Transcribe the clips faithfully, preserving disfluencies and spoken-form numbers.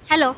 Hello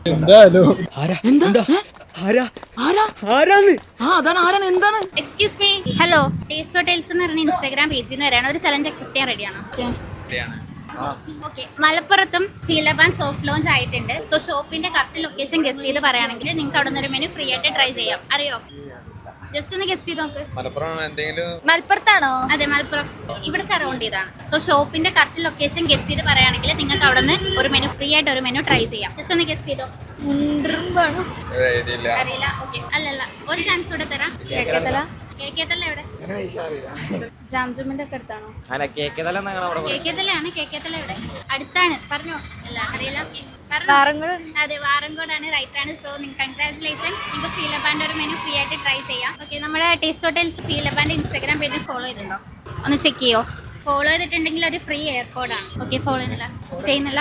excuse me. Hello, taste hotels എന്ന് പറഞ്ഞ Instagram പേജിൽ നിന്ന് വരാണ്. ഒരു ചലഞ്ച് അക്സെപ്റ്റ് ചെയ്യാൻ റെഡിയാണോ? ഓക്കെ. മലപ്പുറത്തും ഫീലബാൻ സോഫ്റ്റ് ലോഞ്ച് ആയിട്ടുണ്ട്. സോ ഷോപ്പിന്റെ കറക്റ്റ് ലൊക്കേഷൻ ഗസ് ചെയ്ത് പറയുകയാണെങ്കിൽ നിങ്ങൾക്ക് അവിടെ നിന്ന് ഒരു മെനു ഫ്രീ ആയിട്ട് ട്രൈ ചെയ്യാം. അറിയോ? ജസ്റ്റ് ഒന്ന് ഗസ് ചെയ്ത് നോക്ക്. മലപ്പുറത്താണോ? അതെ, മലപ്പുറം. ഇവിടെ സറൗണ്ട് ചെയ്താണ്. സോ ഷോപ്പിന്റെ കറക്റ്റ് ലൊക്കേഷൻ ഗസ് ചെയ്ത് പറയുകയാണെങ്കിൽ നിങ്ങൾക്ക് അവിടെ നിന്ന് ഒരു മെനു ഫ്രീ ആയിട്ട് ഒരു മെനു ട്രൈ ചെയ്യാം. ജസ്റ്റ് ഒന്ന് ഗസ് ചെയ്തോ. അറിയില്ല. ഓക്കെ, അല്ലല്ല, ഒരു ചാൻസ് കൂടെ തരാം. കേക്കത്തല കേക്കേത്തല്ല എവിടെ? ജാംജുമിന്റെ ഒക്കെ അടുത്താണോ? കേക്കേത്തലയാണ്. കേക്കേത്തല എവിടെ? അടുത്താണ്. പറഞ്ഞോ. അല്ല, അറിയില്ല. ഓക്കെ, പറഞ്ഞോ. അതെ, വാറങ്കോടാണ്. റൈറ്റ് ആണ്. So congratulations. നിങ്ങൾക്ക് ഫീലബാൻഡ് ഒരു മെനു ഫ്രീ ആയിട്ട് ട്രൈ ചെയ്യാം. ഓക്കെ, നമ്മുടെ ടേസ്റ്റ് ഹോട്ടൽസ് ഫീലബാൻഡ് ഇൻസ്റ്റാഗ്രാം പേജ് ഫോളോ ചെയ്തിട്ടുണ്ടോ? ഒന്ന് ചെക്ക് ചെയ്യോ. ഫോളോ ചെയ്തിട്ടുണ്ടെങ്കിൽ ഒരു ഫ്രീ എയർപോർട്ടാണ്. ഓക്കെ, ഫോളോ ചെയ്യുന്നില്ല ചെയ്യുന്നില്ല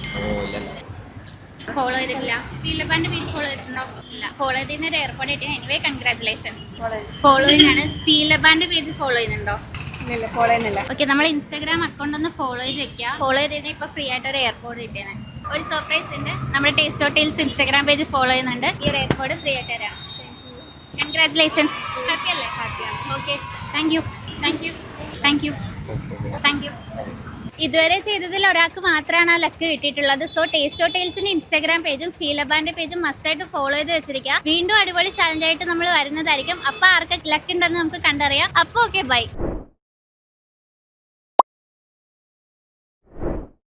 ഫോളോ ചെയ്തിട്ടില്ല. ഫീലബാൻഡ് പേജ് ഫോളോ ചെയ്തിട്ടുണ്ടോ? ഇല്ല. ഫോളോ ചെയ്തതിന് ഒരു എയർപോർട്ട് കിട്ടിയ എനിവേ കൺഗ്രാറ്റുലേഷൻസ്. ഫോളോ ചെയ്യുന്നതാണ്. ഫീലബാൻഡ് പേജ് ഫോളോ ചെയ്യുന്നുണ്ടോ? ഫോളോ ചെയ്യുന്നില്ല. ഓക്കെ, നമ്മൾ ഇൻസ്റ്റാഗ്രാം അക്കൗണ്ട് ഒന്ന് ഫോളോ ചെയ്ത് വെക്കുക. ഫോളോ ചെയ്തതിന് ഇപ്പൊ ഫ്രീ ആയിട്ട് ഒരു എയർപോർട്ട് കിട്ടിയാണ്. ഒരു സർപ്രൈസ് ഉണ്ട്. നമ്മുടെ taste Hotels Instagram page follow ചെയ്യുന്നുണ്ട്. ഈ ഒരു എയർപോർട്ട് ഫ്രീ ആയിട്ട് തരാം. കൺഗ്രാറ്റുലേഷൻസ്. ഹാപ്പി അല്ലേ? ഹാപ്പിയാണ്. Okay, thank you thank you thank you thank you ഇതുവരെ ചെയ്തതിൽ ഒരാൾക്ക് മാത്രമാണ് ആ ലക്ക് കിട്ടിയിട്ടുള്ളത്. സോ ടേസ്റ്റ് ഹോട്ടൽസിന്റെ ഇൻസ്റ്റാഗ്രാം പേജും ഫീലബാൻഡ് പേജും മസ്റ്റായിട്ട് ഫോളോ ചെയ്ത് വെച്ചിരിക്കുക. വീണ്ടും അടിപൊളി ചാലഞ്ച് ആയിട്ട് നമ്മൾ വരുന്നതായിരിക്കും. അപ്പൊ ആർക്ക് ലക്ക് ഉണ്ടെന്ന് നമുക്ക് കണ്ടറിയാം. അപ്പൊ ഓക്കെ, ബൈ.